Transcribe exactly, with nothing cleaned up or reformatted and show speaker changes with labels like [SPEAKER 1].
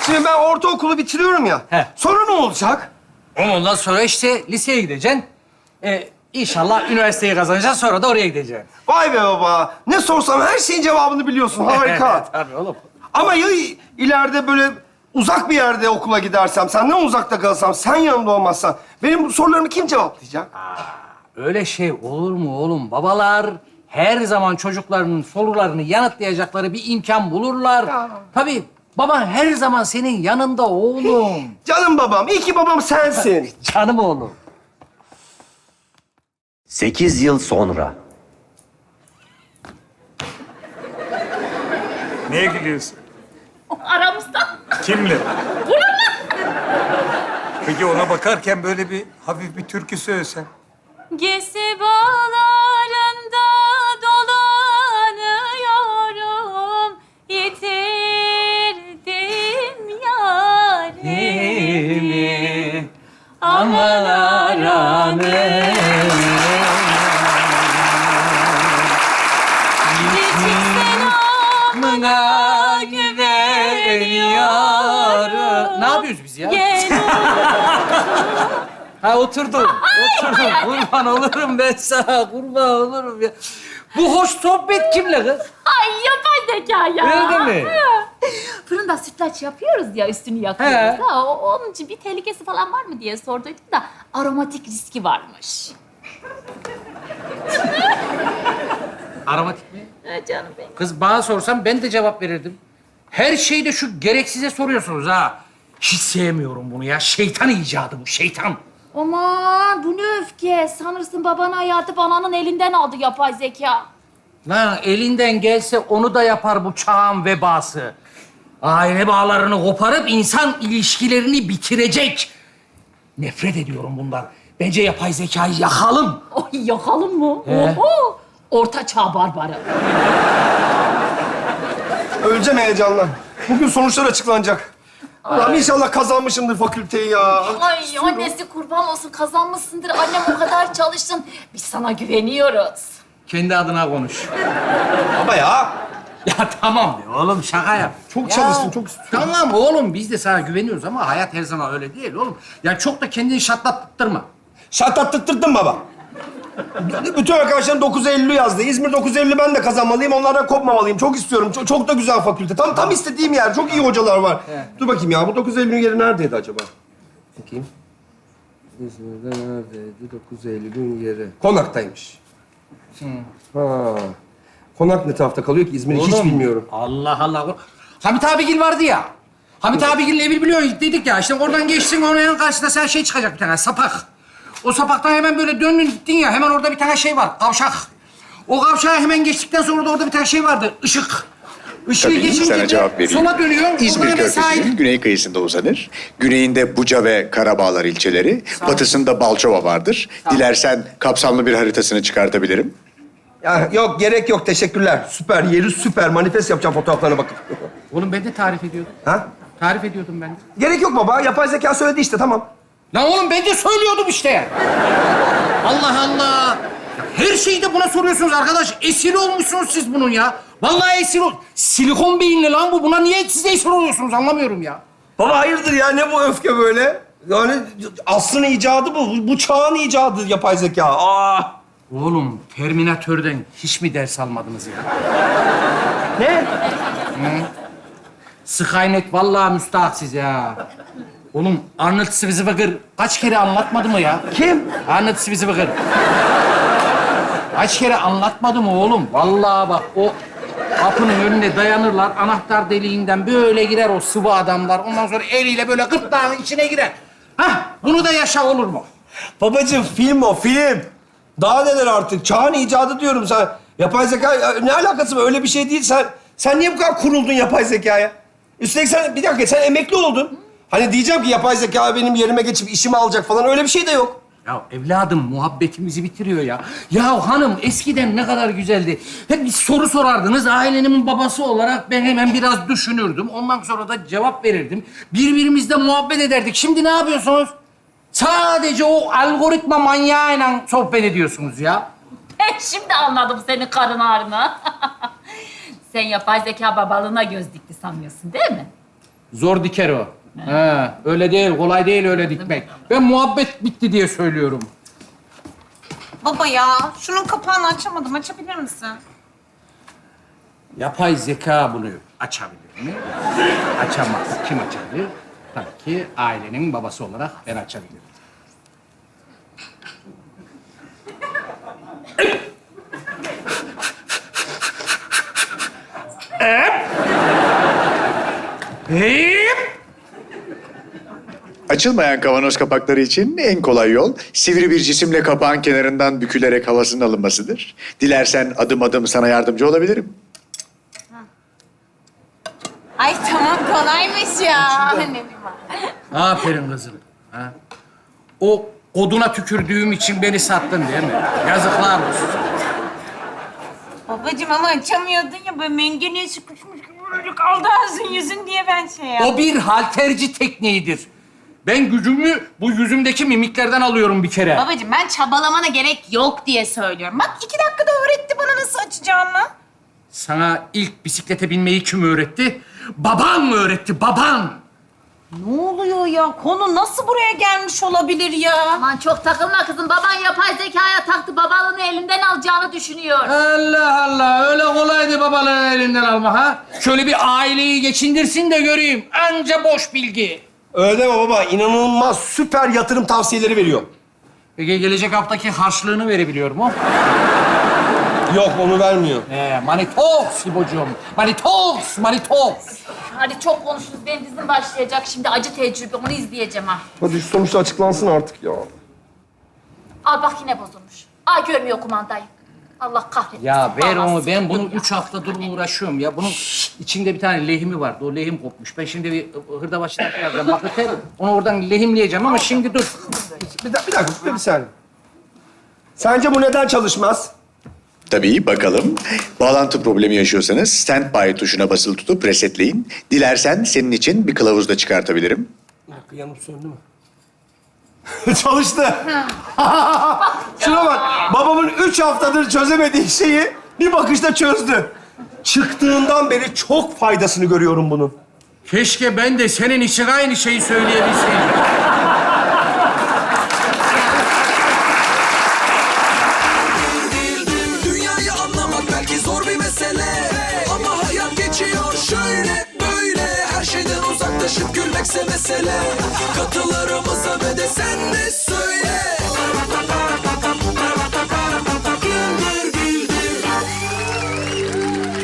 [SPEAKER 1] Şimdi ben ortaokulu bitiriyorum ya.
[SPEAKER 2] He.
[SPEAKER 1] Sonra ne olacak?
[SPEAKER 2] Ondan sonra işte liseye gideceksin. Ee, inşallah üniversiteyi kazanacaksın, sonra da oraya gideceksin.
[SPEAKER 1] Vay be baba. Ne sorsam her şeyin cevabını biliyorsun. Harika.
[SPEAKER 2] Tabii oğlum.
[SPEAKER 1] Ama ya ileride böyle uzak bir yerde okula gidersem, senden uzakta kalsam, sen yanımda olmazsan... ...benim bu sorularımı kim cevaplayacak?
[SPEAKER 2] Öyle şey olur mu oğlum? Babalar her zaman çocuklarının sorularını yanıtlayacakları bir imkan bulurlar.
[SPEAKER 1] Ya.
[SPEAKER 2] Tabii baban her zaman senin yanında oğlum.
[SPEAKER 1] Canım babam, iyi ki babam sensin.
[SPEAKER 2] Canım oğlum.
[SPEAKER 3] Sekiz yıl sonra.
[SPEAKER 4] Neye gülüyorsun?
[SPEAKER 5] Aramızda.
[SPEAKER 4] Kimle? Peki ona bakarken böyle bir hafif bir türkü söylesen.
[SPEAKER 5] Gezi bağlarında dolanıyorum, yitirdim yarimi.
[SPEAKER 2] Aman aranım.
[SPEAKER 5] Biricik
[SPEAKER 2] Mına güveniyorum. Ne yapıyoruz biz ya?
[SPEAKER 5] Gel
[SPEAKER 2] Ha oturdum. Oturdum. Kurban olurum ben sana. Kurban olurum ya. Bu hoş sohbet kimle kız?
[SPEAKER 5] Ay yapay zeka ya.
[SPEAKER 2] Öyle mi?
[SPEAKER 5] Fırında sütlaç yapıyoruz ya, üstünü
[SPEAKER 2] He.
[SPEAKER 5] yakıyoruz. Ha, o- onun için bir tehlikesi falan var mı diye sorduydum da aromatik riski varmış.
[SPEAKER 2] Aromatik mi?
[SPEAKER 5] Ha, canım benim.
[SPEAKER 2] Kız bana sorsan ben de cevap verirdim. Her şeyde şu gereksize soruyorsunuz ha. Hiç sevmiyorum bunu ya. Şeytan icadı bu, şeytan.
[SPEAKER 5] Aman bu ne öfke. Sanırsın babanın hayatı bananın elinden aldı yapay zeka.
[SPEAKER 2] Lan elinden gelse onu da yapar bu çağın vebası. Aile bağlarını koparıp insan ilişkilerini bitirecek. Nefret ediyorum bundan. Bence yapay zekayı yakalım.
[SPEAKER 5] Oy yakalım mı?
[SPEAKER 2] He.
[SPEAKER 5] Oho! Orta çağ barbarı.
[SPEAKER 1] Öleceğim heyecandan. Bugün sonuçlar açıklanacak. Allah'ım inşallah kazanmışımdır fakülteyi ya.
[SPEAKER 5] Ay annesi kurban olsun, kazanmışsındır. Annem o kadar çalıştın. Biz sana güveniyoruz.
[SPEAKER 2] Kendi adına konuş.
[SPEAKER 1] Baba ya.
[SPEAKER 2] Ya tamam be oğlum, şaka yap.
[SPEAKER 1] Çok
[SPEAKER 2] Ya,
[SPEAKER 1] çalıştım, çok istiyorum.
[SPEAKER 2] Tamam oğlum, biz de sana güveniyoruz ama hayat her zaman öyle değil oğlum. Ya çok da kendini şartlattırma.
[SPEAKER 1] Şartlattırttırdın baba. B- Bütün arkadaşlarım dokuz Eylül'ü yazdı. İzmir dokuz Eylül'ü ben de kazanmalıyım. Onlardan kopmamalıyım. Çok istiyorum. Çok, çok da güzel fakülte. Tam tam istediğim yer. Çok iyi hocalar var.
[SPEAKER 2] Evet.
[SPEAKER 1] Dur bakayım ya. Bu dokuz Eylül'ün yeri neredeydi acaba? Bakayım.
[SPEAKER 6] İzmir'de neredeydi? dokuz Eylül'ün yeri.
[SPEAKER 1] Konaktaymış. Ha. Konak ne tarafta kalıyor ki? İzmir'i hiç
[SPEAKER 2] Oğlum,
[SPEAKER 1] bilmiyorum.
[SPEAKER 2] Allah Allah. Hamit abigil vardı ya. Hamit abigil'in evi biliyorsun dedik ya. İşte oradan geçtin, onun karşısında sen şey çıkacak bir tane, sapak. O sapaktan hemen böyle döndün gittin ya, hemen orada bir tane şey var, kavşak. O kavşağı hemen geçtikten sonra da orada bir tane şey vardı, ışık. Işığı
[SPEAKER 7] Tabii,
[SPEAKER 2] geçince
[SPEAKER 7] sana
[SPEAKER 2] de
[SPEAKER 7] cevap vereyim.
[SPEAKER 2] sola dönüyor.
[SPEAKER 7] İzmir
[SPEAKER 2] oradan hemen sahil.
[SPEAKER 7] Körfezi'nin güney kıyısında uzanır. Güneyinde Buca ve Karabağlar ilçeleri, batısında Balçova vardır. Dilersen kapsamlı bir haritasını çıkartabilirim.
[SPEAKER 1] Ya yok, gerek yok. Teşekkürler. Süper. Yeri süper. Manifest yapacağım fotoğraflarına bakıp.
[SPEAKER 2] Oğlum ben de tarif ediyordum.
[SPEAKER 1] Ha?
[SPEAKER 2] Tarif ediyordum ben de.
[SPEAKER 1] Gerek yok baba. Yapay zeka söyledi işte. Tamam.
[SPEAKER 2] Lan oğlum ben de söylüyordum işte. Allah Allah. Ya her şeyi de buna soruyorsunuz arkadaş. Esir olmuşsunuz siz bunun ya. Vallahi esir ol... Silikon beyinli lan bu. Buna niye siz esir oluyorsunuz anlamıyorum ya.
[SPEAKER 1] Baba hayırdır ya? Ne bu öfke böyle? Yani asrın icadı bu. Bu- Bu çağın icadı yapay zeka. Aa.
[SPEAKER 2] Oğlum Terminatör'den hiç mi ders almadınız ya?
[SPEAKER 1] Ne?
[SPEAKER 2] Skynet vallahi müstahaksız ya. Oğlum Arnold Schwarzenegger kaç kere anlatmadı mı ya?
[SPEAKER 1] Kim?
[SPEAKER 2] Arnold Schwarzenegger. Kaç kere anlatmadı mı oğlum? Vallahi bak o kapının önüne dayanırlar. Anahtar deliğinden böyle girer o sıvı adamlar. Ondan sonra eliyle böyle gırtlağın içine girer. Hah, bunu da yaşa olur mu?
[SPEAKER 1] Babacığım film o, film. Daha neler artık? Çağın icadı diyorum sen. Yapay zeka ya, ne alakası var? Öyle bir şey değil. Sen sen niye bu kadar kuruldun yapay zekaya? Üstelik sen, bir dakika, sen emekli oldun. Hani diyeceğim ki yapay zeka benim yerime geçip işimi alacak falan. Öyle bir şey de yok.
[SPEAKER 2] Ya evladım muhabbetimizi bitiriyor ya. Ya hanım eskiden ne kadar güzeldi. Hep bir soru sorardınız. Ailenin babası olarak ben hemen biraz düşünürdüm. Ondan sonra da cevap verirdim. Birbirimizle muhabbet ederdik. Şimdi ne yapıyorsunuz? Sadece o algoritma manyağıyla sohbet ediyorsunuz ya.
[SPEAKER 5] Ben şimdi anladım senin karın ağrını. Sen yapay zeka babalığına göz dikti sanıyorsun değil mi?
[SPEAKER 2] Zor diker o. Ha, öyle değil, kolay değil öyle dikmek. Ben muhabbet bitti diye söylüyorum.
[SPEAKER 8] Baba ya, şunun kapağını açamadım. Açabilir misin?
[SPEAKER 2] Yapay zeka bunu açabilir mi? Açamaz. Kim açabilir? Tabii ki ailenin babası olarak ben açabilirim.
[SPEAKER 7] Açılmayan kavanoz kapakları için en kolay yol sivri bir cisimle kapağın kenarından bükülerek havasının alınmasıdır. Dilersen adım adım sana yardımcı olabilirim.
[SPEAKER 8] Ay tamam, kolaymış ya. Ne bileyim ben.
[SPEAKER 2] Aferin kızım. Ha? O oduna tükürdüğüm için beni sattın değil mi? Yazıklar olsun.
[SPEAKER 8] Babacığım ama açamıyordun ya, böyle mengeneye sıkışmış gibi böyle kaldı ağzın yüzün diye ben şey yaptım.
[SPEAKER 2] O bir halterci tekniğidir. Ben gücümü bu yüzümdeki mimiklerden alıyorum bir kere.
[SPEAKER 8] Babacığım ben çabalamana gerek yok diye söylüyorum. Bak iki dakikada öğretti bana nasıl açacağımı.
[SPEAKER 2] Sana ilk bisiklete binmeyi kim öğretti? Baban mı öğretti, baban?
[SPEAKER 8] Ne oluyor ya? Konu nasıl buraya gelmiş olabilir ya?
[SPEAKER 5] Aman çok takılma kızım. Baban yapay zekaya taktı. Babalığını elinden alacağını düşünüyor.
[SPEAKER 2] Allah Allah, öyle kolaydı babalığın elinden alma ha? Şöyle bir aileyi geçindirsin de göreyim. Anca boş bilgi.
[SPEAKER 1] Öyle deme baba. İnanılmaz süper yatırım tavsiyeleri veriyor.
[SPEAKER 2] Peki gelecek haftaki harçlığını verebiliyor mu?
[SPEAKER 1] Yok onu vermiyor.
[SPEAKER 2] Ee, Manitos İbocuğum. Manitos, Manitos.
[SPEAKER 5] Hadi çok konuştunuz. Benim dizim başlayacak şimdi. Acı tecrübe. Onu izleyeceğim ha.
[SPEAKER 1] Hadi şu sonuçta açıklansın artık ya.
[SPEAKER 5] Al bak yine bozulmuş. Aa görmüyor kumandayı. Allah kahretsin.
[SPEAKER 2] Ya ver
[SPEAKER 5] Bağlansın.
[SPEAKER 2] onu, ben bunu üç haftadır uğraşıyorum ya. Bunun içinde bir tane lehimi vardı, o lehim kopmuş. Ben şimdi bir hırdavatçıdan yazacağım. Bak öter, onu oradan lehimleyeceğim ama şimdi dur.
[SPEAKER 1] Bir, da- bir dakika, bir saniye. Sence bu neden çalışmaz?
[SPEAKER 7] Tabii bakalım. Bağlantı problemi yaşıyorsanız standby tuşuna basılı tutup resetleyin. Dilersen senin için bir kılavuz da çıkartabilirim.
[SPEAKER 1] Bir dakika, yanıp söndü mü? Çalıştı. Şuna bak. Babamın üç haftadır çözemediği şeyi bir bakışta çözdü. Çıktığından beri çok faydasını görüyorum bunun.
[SPEAKER 2] Keşke ben de senin için aynı şeyi söyleyebilseydim.
[SPEAKER 9] Dünyayı anlamak belki zor bir mesele, ama hayat geçiyor şöyle böyle. Her şeyden uzaklaşıp gülmekse mesele. Katılarımıza ve de sen de